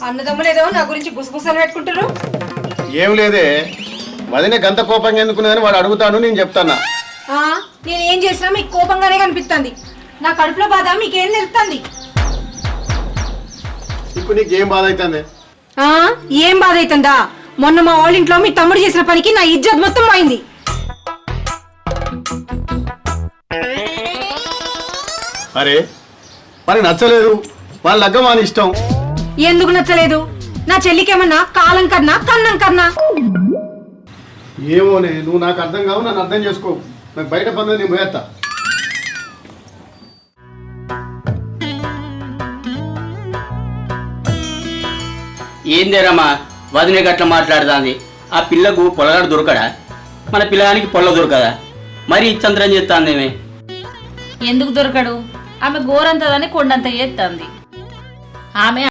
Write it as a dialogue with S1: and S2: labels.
S1: అన్నదమ్ములేదో నా గురించి గుసగుసలు పెట్టుకుంటారు.
S2: ఏం లేదే, వదిన గంత కోపంగా ఎందుకున్నదని వాడు అడుగుతాను, నేను చెప్తానా.
S1: నేను ఏం చేసినా మీకు కోపంగానే కనిపిస్తుంది. నా కడుపులో బాధ మీకేం తెలుస్తుంది?
S2: ఇప్పుడు నీకేం బాధ అవుతుంది?
S1: ఏం బాధ అవుతుందా? మొన్న మా వాళ్ళ ఇంట్లో మీ తమ్ముడు చేసిన పనికి నా ఇజ్జత్ మొత్తం పోయింది.
S2: అరే మరి నచ్చలేదు, వాళ్ళ లగ్గం అని ఇష్టం.
S1: ఎందుకు నచ్చలేదు? నా చెల్లికేమన్నా కాలం కన్నా కన్నం కన్నా?
S2: ఏమోనే, నువ్వు నాకు అర్థం కావు, నన్ను అర్థం చేసుకో. నాకు బయట పనులు నేను పోయేస్తా.
S3: ఏందేరమ్మా వదినే గట్ల మాట్లాడుతుంది? ఆ పిల్లకు పొలగాడు దొరకడా? మన పిల్లగానికి పొల్ల దొరకదా? మరి చంద్రం చేస్తాందేమే.
S4: ఎందుకు దొరకడు? ఆమె గోరంతదని కొండంత చేస్తుంది. ఆమె